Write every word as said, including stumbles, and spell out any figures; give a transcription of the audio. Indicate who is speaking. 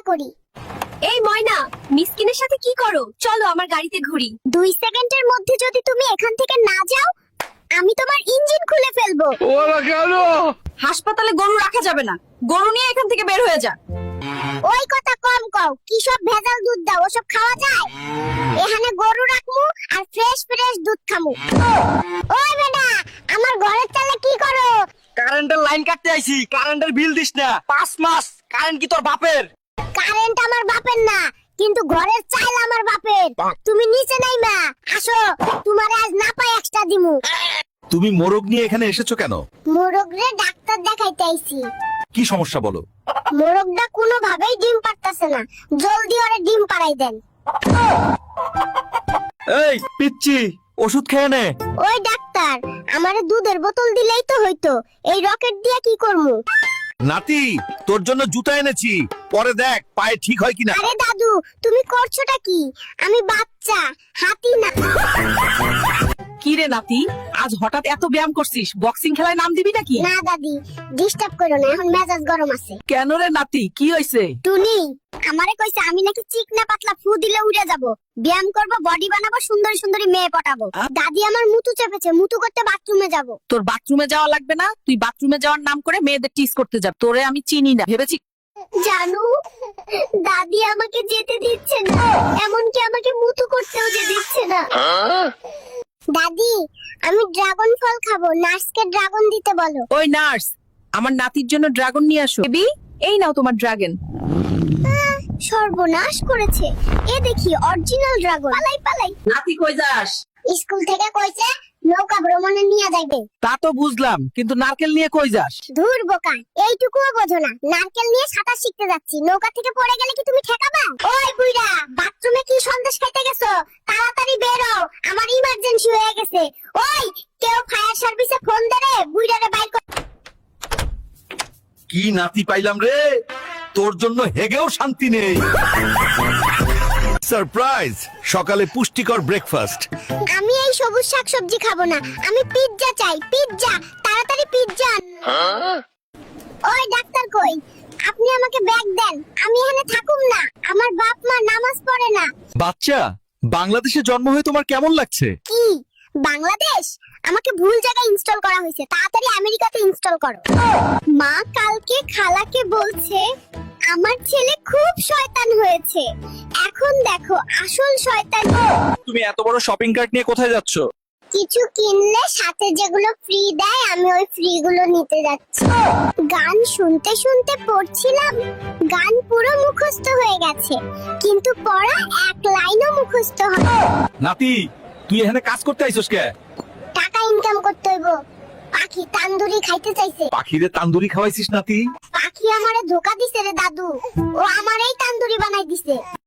Speaker 1: করি।
Speaker 2: এই ময়না, মিসকিনের সাথে কি করো? চলো আমার গাড়িতে ঘুরি।
Speaker 1: দুই সেকেন্ডের মধ্যে যদি তুমি এখান থেকে না যাও, আমি তোমার ইঞ্জিন খুলে ফেলবো।
Speaker 3: ওরা কেন?
Speaker 2: হাসপাতালে গরু রাখা যাবে না, গরু নিয়ে এখান থেকে বের হয়ে যা।
Speaker 1: ওই কথা কম কও, কি সব ভেজাল দুধ দাও, ওসব খাওয়া যায়? এখানে গরু রাখমু আর ফ্রেশ ফ্রেশ দুধ খামু। ওই বেটা, আমার ঘরের চালে কি করো?
Speaker 3: কারেন্টের লাইন কাটতে আইছি, কারেন্টের বিল দিস না। পাঁচ মাস কারেন্ট কি তোর বাপের?
Speaker 1: কারেন্ট আমার বাপের না, কিন্তু ঘরের চাল আমার বাপের। তুমি নিচে নাইমা আসো, তোমার আজ না পাই এক্সট্রা দিমু।
Speaker 4: তুমি মোরগ নিয়ে এখানে এসেছো কেন?
Speaker 1: মোরগরে ডাক্তার দেখাইতে আইছি।
Speaker 4: কি সমস্যা বলো?
Speaker 1: মোরগটা কোনোভাবেই ডিম পারতাছে না, জলদি ওরে ডিম পাড়াই দেন।
Speaker 4: এই পিচ্চি, ওষুধ খেয়ে নে।
Speaker 1: ওই ডাক্তার, আমারে দুধের বোতল দিলেই তো হইতো, এই রকেট দিয়া কি করমু?
Speaker 4: নাতি, তোর জন্য জুতা এনেছি, পরে দেখ পায়ে ঠিক হয় কিনা।
Speaker 1: আরে দাদু, তুমি করছোটা কি? আমি বাচ্চা, হাতি না।
Speaker 2: কি রে নাতি, আজ হঠাৎ এত ব্যায়াম করছিস? বক্সিং খেলায় নাম দিবি নাকি?
Speaker 1: না দাদি, ডিস্টার্ব করো না, এখন মেজাজ গরম আছে।
Speaker 2: কেন রে নাতি, কি হইছে?
Speaker 1: টুনি আমারে কইছে আমি নাকি চিকনা পাতলা ফু দিলে উড়ে যাব, ব্যায়াম করব, বডি বানাবো, সুন্দরী সুন্দরী মেয়ে পটাবো। দাদি আমার মুতু চেপেছে, মুতু করতে বাথরুমে যাব।
Speaker 2: তোর বাথরুমে যাওয়া লাগবে না, তুই বাথরুমে যাওয়ার নাম করে মেয়েদের টিস করতে যা। তোরে আমি চিনি না ভেবেছি।
Speaker 1: জানু, দাদি আমাকে যেতে দিচ্ছে না, এমনকি আমাকে মুতু করতেও যে দিচ্ছে না। দাদি, আমি ড্রাগন ফল খাবো, নার্সকে ড্রাগন দিতে বলো।
Speaker 2: ওই নার্স, আমার নাতির জন্য ড্রাগন নিয়ে আসো। বেবি, এই নাও তোমার ড্রাগন।
Speaker 1: সর্বনাশ করেছে, এ দেখি অরিজিনাল ড্রাগন। পালাই পালাই।
Speaker 2: নাতি কই যাস?
Speaker 1: স্কুল থেকে কইছে নৌকা ভ্রমণে নিয়ে যাইবে।
Speaker 3: তা তো বুঝলাম, কিন্তু নারকেল নিয়ে কই যাস?
Speaker 1: ধুর বোকা, এইটুকুও বোঝো না? নারকেল নিয়ে সাঁতার শিখতে যাচ্ছি, নৌকা থেকে পড়ে গেলে কি তুমি ঠেকাবা? ওই বুইড়া, বাথরুমে কি সন্দেশ খাইতে গেছো? তাড়াতাড়ি বের হও, আমার ইমার্জেন্সি হয়ে গেছে। ওই, কেউ ফায়ার সার্ভিসে ফোন দে রে, বুইড়ারে বাইর কর।
Speaker 4: কি নাতি পাইলাম রে, তোর জন্য হেগেও শান্তি নেই। সারপ্রাইজ, সকালে পুষ্টিকর ব্রেকফাস্ট।
Speaker 1: আমি এই সবুজ শাকসবজি খাবো না, আমি পিৎজা চাই, পিৎজা, তাড়াতাড়ি পিৎজা। ওই ডাক্তার কই? আপনি আমাকে ব্যাগ দেন, আমি এখানে থাকুম না, আমার বাপ মা নামাজ পড়ে না।
Speaker 4: বাচ্চা, বাংলাদেশে জন্ম হয়ে তোমার কেমন লাগছে?
Speaker 1: কি বাংলাদেশ? আমাকে ভুল জায়গায় ইনস্টল করা হয়েছে, তাড়াতাড়ি আমেরিকাতে ইনস্টল করো। মা কালকে খালাকে বলছে আমার ছেলে খুব শয়তান হয়েছে, এখন দেখো আসল শয়তান।
Speaker 4: তুমি এত বড় শপিং কার্ট নিয়ে কোথায় যাচ্ছ?
Speaker 1: কিছু কিনলে সাথে যেগুলো ফ্রি দেয়, আমি ওই ফ্রি গুলো নিতে যাচ্ছি। গান শুনতে শুনতে পড়ছিলাম, গান পুরো মুখস্থ হয়ে গেছে, কিন্তু পড়া এক লাইনও মুখস্থ হয়।
Speaker 4: নাতি, তুই এখানে কাজ করতে আইছস কে?
Speaker 1: টাকা ইনকাম করতে হইব। পাখি তান্দুরি খাইতে চাইছে।
Speaker 4: পাখিরে তান্দুরি খাওয়াইছিস নাতি?
Speaker 1: পাখি আমারে ধোকা দিছে রে দাদু, ও আমারই তান্দুরি বানাই দিছে।